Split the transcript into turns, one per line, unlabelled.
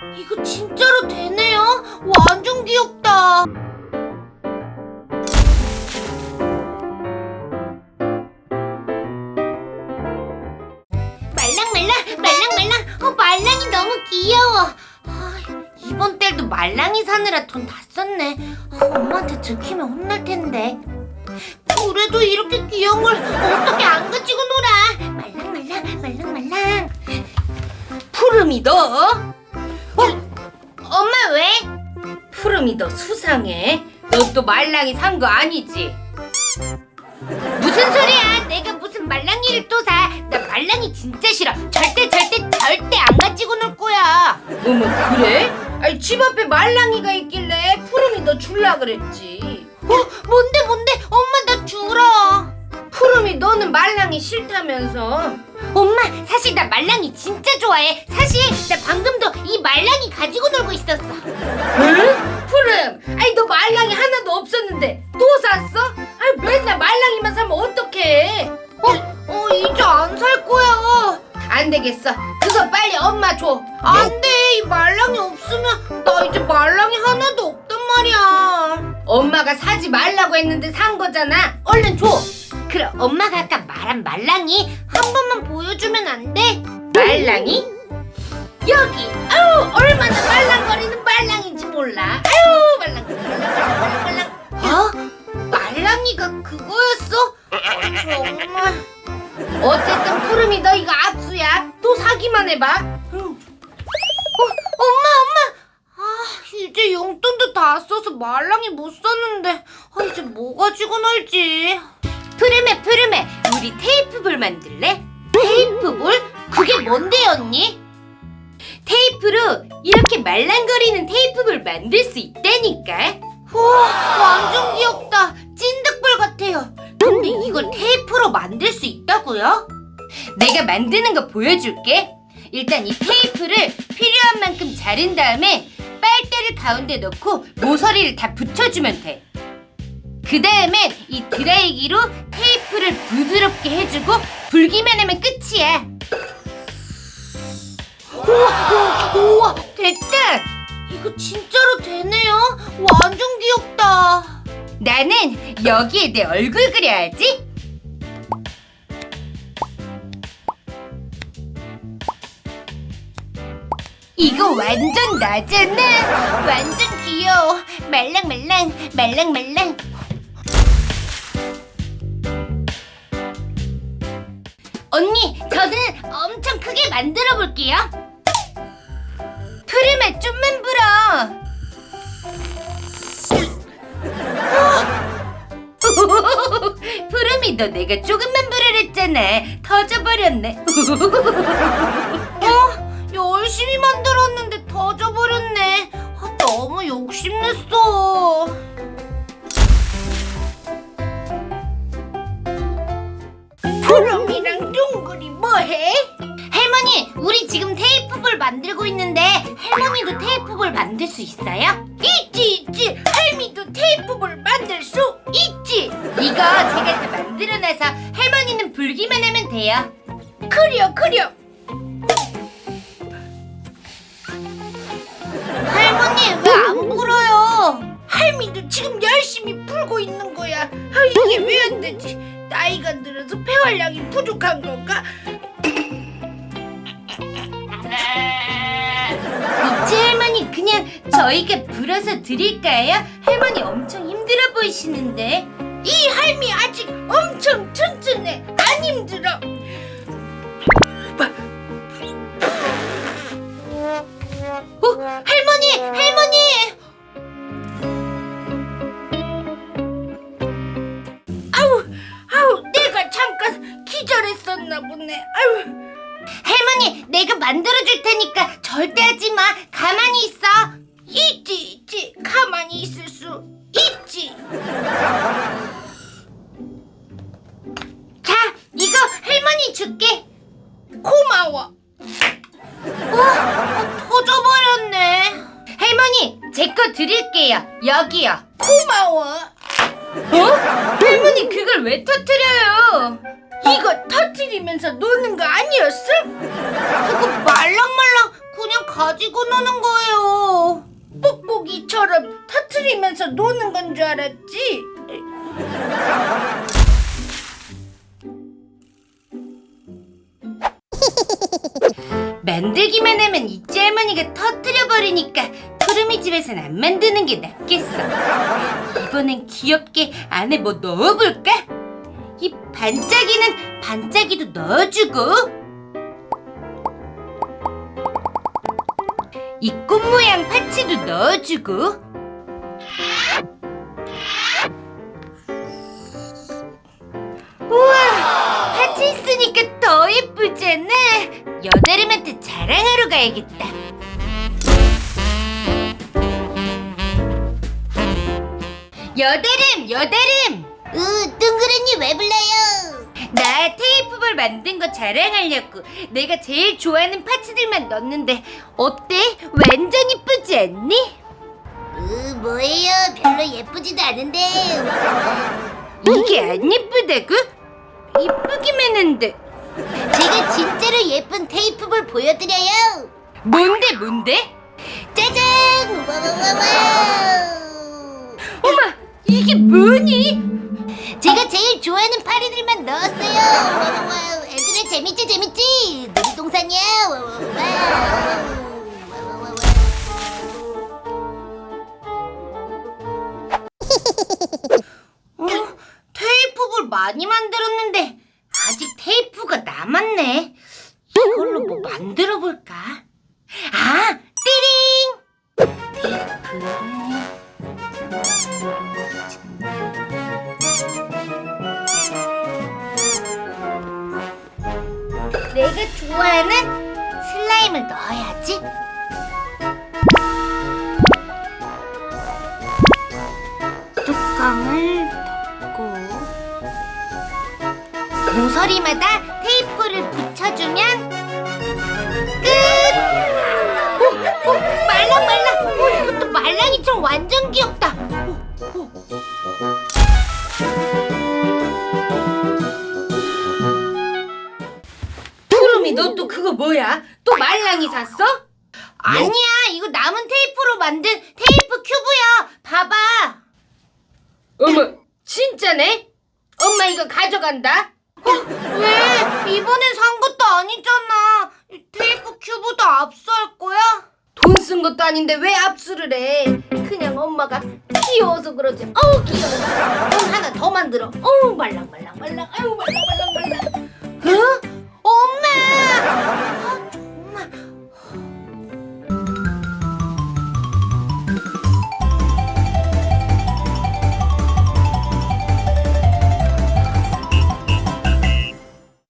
이거 진짜로 되네요? 완전 귀엽다. 말랑말랑. 말랑이 너무 귀여워. 이번 달도 말랑이 사느라 돈 다 썼네. 엄마한테 들키면 혼날 텐데. 그래도 이렇게 귀여운 걸 어떻게 안 가지고 놀아. 말랑말랑.
푸름이 너?
엄마 왜?
푸름이 너 수상해. 너 또 말랑이 산 거 아니지?
무슨 소리야? 내가 무슨 말랑이를 또 사? 나 말랑이 진짜 싫어. 절대 안 가지고 놀 거야.
어머 그래? 아니 집 앞에 말랑이가 있길래 푸름이 너 줄라 그랬지.
뭔데? 엄마 나 주라.
푸름이 너는 말랑이 싫다면서.
엄마 사실 나 말랑이 진짜 좋아해. 사실 나 방금도 이 말랑이 가지고 놀고 있었어.
응? 푸름, 아니 너 말랑이 하나도 없었는데 또 샀어? 아니 맨날 말랑이만 사면 어떡해?
이제 안 살 거야.
안 되겠어. 그거 빨리 엄마 줘.
안 돼. 이 말랑이 없으면 나 이제 말랑이 하나도 없단 말이야.
엄마가 사지 말라고 했는데 산 거잖아. 얼른 줘.
그럼 엄마가 아까 말한 말랑이 한 번만 보여주면 안 돼?
말랑이? 여기. 아우 얼마나 말랑거리는 말랑인지 몰라. 아유 말랑.
말랑이가 그거였어? 정말.
어쨌든 푸름이 너 이거 압수야. 또 사기만 해봐.
엄마. 이제 용돈도 다 써서 말랑이 못 샀는데 이제 뭐 가지고 놀지?
푸름에 우리 테이프볼 만들래?
테이프볼? 그게 뭔데 언니?
테이프로 이렇게 말랑거리는 테이프볼 만들 수 있다니까.
우와 완전 귀엽다. 찐득볼 같아요. 근데 이걸 테이프로 만들 수 있다고요?
내가 만드는 거 보여줄게. 일단 이 테이프를 필요한 만큼 자른 다음에 빨대를 가운데 넣고 모서리를 다 붙여주면 돼. 그 다음에 이 드라이기로 테이프를 부드럽게 해주고 불기만 하면 끝이야.
우와
됐다.
이거 진짜로 되네요. 완전 귀엽다.
나는 여기에 내 얼굴 그려야지. 이거 완전 나잖아.
완전 귀여워. 말랑말랑. 언니, 저는 엄청 크게 만들어 볼게요.
푸름에 좀만 불어. 푸름이 너 내가 조금만 부르랬잖아. 터져버렸네.
열심히 만들었는데 터져버렸네. 너무 욕심냈어.
푸름이랑 둥글이 뭐해?
할머니, 우리 지금 테이프볼 만들고 있는데 할머니도 테이프볼 만들 수 있어요?
있지. 할미도 테이프볼 만들 수 있지. 이거 제가 다 만들어놔서 할머니는 불기만 하면 돼요. 그려.
할머니, 왜 안 불어요?
할미도 지금 열심히 풀고 있는 거야. 이게 왜 안 되지? 나이가 들어서 폐활량이 부족한 건가? 있지 할머니, 그냥 저희가 불어서 드릴까요? 할머니 엄청 힘들어 보이시는데. 이 할미 아직 엄청 튼튼해. 안 힘들어.
할머니!
아우, 내가 잠깐 기절했었나 보네. 아우.
할머니, 내가 만들어줄 테니까 절대 하지 마. 가만히 있어.
있지. 가만히 있을 수 있지.
자, 이거 할머니 줄게.
고마워.
터져버렸네.
할머니, 제 거 드릴게요. 여기요. 고마워. 할머니, 그걸 왜 터뜨려요? 이거 터뜨리면서 노는 거 아니었어?
그거 말랑말랑 그냥 그냥 가지고 노는 거예요.
뽁뽁이처럼 터트리면서 노는 건 줄 알았지? 만들기만 하면 이지 할머니가 터뜨려버리니까 푸르미 집에선 안 만드는 게 낫겠어. 이번엔 귀엽게 안에 뭐 넣어볼까? 이 반짝이는 반짝이도 넣어주고, 이 꽃 모양 파츠도 넣어주고, 우와, 파츠 있으니까 더 예쁘잖아. 여다름한테 자랑하러 가야겠다. 여다름!
둥그레니 왜 불러요?
나 테이프볼 만든 거 자랑하려고. 내가 제일 좋아하는 파츠들만 넣었는데 어때? 완전 이쁘지 않니?
뭐예요? 별로 예쁘지도 않은데.
이게 안 예쁘다고? 이쁘기만 한데.
제가 진짜로 예쁜 테이프볼 보여드려요.
뭔데?
짜잔! 와와와와!
엄마, 이게 뭐니?
제가 제일 좋아하는 파리들만 넣었어요. 와와와! 애들은 재밌지? 놀이동산이야. 와와와! 테이프볼 많이 만들었는데 아직 테이프가 남았네. 이걸로 뭐 만들어 볼까? 아, 띠링! 내가 좋아하는 슬라임을 넣어야지. 뚜껑을 덮고 모서리마다 테이프를 붙여주면 끝! 말랑말랑! 이것도 말랑이처럼 완전 귀엽다!
푸름이, 너 또 그거 뭐야? 또 말랑이 샀어?
아니야, 이거 남은 테이프로 만든 테이프 큐브야! 봐봐!
어머, 진짜네? 엄마 이거 가져간다.
왜? 이번엔 산 것도 아니잖아. 테이프 큐브도 압수할 거야?
돈 쓴 것도 아닌데 왜 압수를 해? 그냥 엄마가 귀여워서 그러지. 어우 귀여워. 그럼 하나 더 만들어. 어우 말랑말랑. 아유 말랑말랑.
어?